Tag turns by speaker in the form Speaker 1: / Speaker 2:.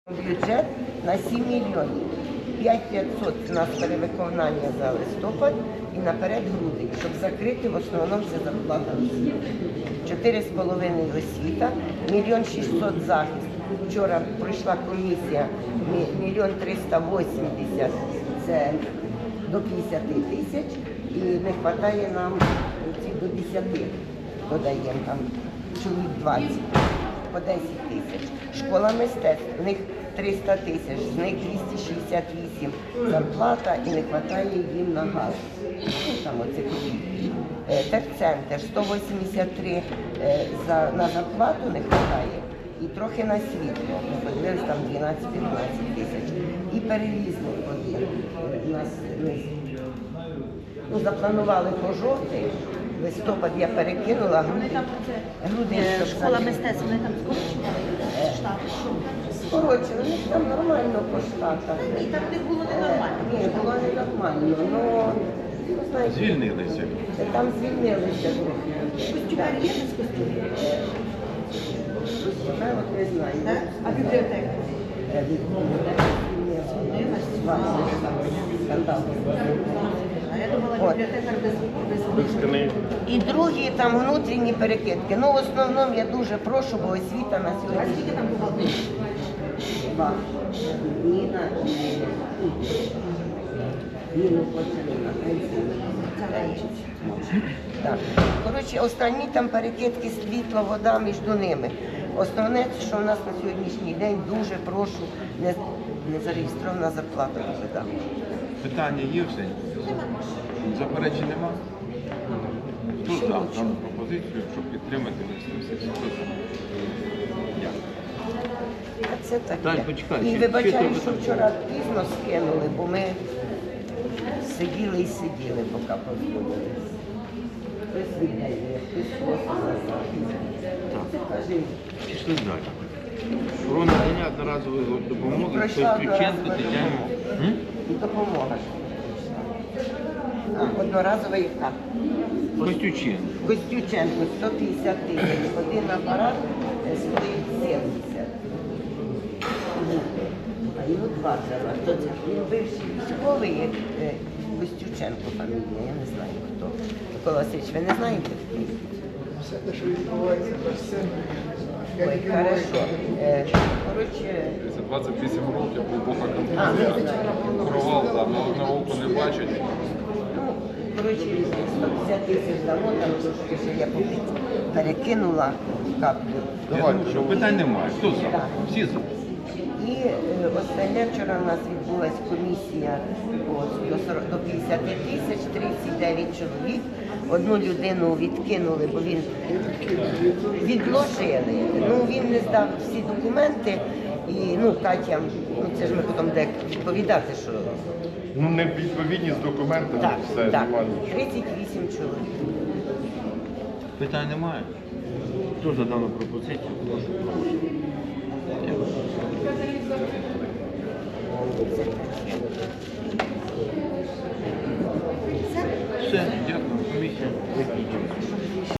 Speaker 1: Бюджет на 7 мільйонів. 5500 у нас перевиконання за листопад і наперед грудень, щоб закрити в основному це зарплата освіти. 4,5 освіта, 1 600 000 захист. Вчора пройшла комісія, 1 380 000 це до 50 000 і не вистачає нам до 10, додаємо там чоловік 20, по 10 000. Школа мистецтв, в них 300 000, з них 268 зарплата і не вистачає їм на газ. Ну, там оце копійки. Техцентр 183 на зарплату не вистачає і трохи на світло. Ми подивилися, там 12-15 тисяч. І перевізник один. У нас запланували по жовтий. Листопад я перекинула, грудень.
Speaker 2: Школа мистецтв, вони там скорочені штати?
Speaker 1: Скорочили, у них там нормально по штатах.
Speaker 2: І так не було ненормально?
Speaker 1: Ні, було ненормально, але...
Speaker 3: Звільнилися.
Speaker 1: Там звільнилися трохи.
Speaker 2: Костюмер є без костюмів?
Speaker 1: Я от не знаю.
Speaker 2: А бібліотека?
Speaker 1: Скандал.
Speaker 2: А я думала, бібліотекар без книг.
Speaker 1: І другі там внутрішні перекидки. Ну, в основному я дуже прошу, бо освіта на
Speaker 2: А
Speaker 1: сьогодні.
Speaker 2: скільки там бухгалтерів?
Speaker 1: Два. Ніна і Ніну почали на пенсію. Так. Коротше, останні там перекидки, світло, вода між ними. Основне, що в нас на сьогоднішній день дуже прошу, не зареєстрована зарплата вода.
Speaker 3: Питання є все? Заперечень нема? Хто за дану пропозицію, щоб підтримати листопад? Хто за? Дякую.
Speaker 1: А це таке.
Speaker 3: Дай, почекай,
Speaker 1: І
Speaker 3: ще
Speaker 1: вибачаю,
Speaker 3: тут
Speaker 1: що вчора пізно скинули, бо ми сиділи і сиділи, поки позбудились. Хтось віддає, хтось просить назад. Це кажи.
Speaker 3: Пішли далі. Про надання одноразової допомоги
Speaker 1: Пройшла
Speaker 3: Костюченко
Speaker 1: одноразова
Speaker 3: Тетяні.
Speaker 1: допомога. Одноразова яка?
Speaker 3: Костюченко.
Speaker 1: Костюченко 150 000, один апарат стоїть 70. А йому 2 треба. Хто це? Він бивший військовий, Костюченко фамілія, я не знаю хто. Микола Васильович, ви не знаєте?
Speaker 4: Все те, що відбувається, то все.
Speaker 1: Ой, хорошо. Коротше,
Speaker 5: За 28 років глибока
Speaker 1: не
Speaker 5: контузія.
Speaker 1: знаю.
Speaker 5: Провал там на одне око не бачить.
Speaker 1: Ну, коротше, 150 000 дамо, там трошки ще я перекинула каплю.
Speaker 3: Що питань немає. Хто за?
Speaker 1: Так.
Speaker 3: Всі за.
Speaker 1: І останнє вчора у нас відбулася комісія до 50 000, 39 чоловік. Одну людину відкинули, бо він відложили. Ну, він не здав всі документи. І, Катя, це ж ми потім де відповідати, що...
Speaker 4: Ну, не відповідні з документами,
Speaker 1: Так,
Speaker 4: все,
Speaker 1: так,
Speaker 4: немає.
Speaker 1: 38 чоловік.
Speaker 3: Питань немає. Хто за дану пропозицію? Прошу.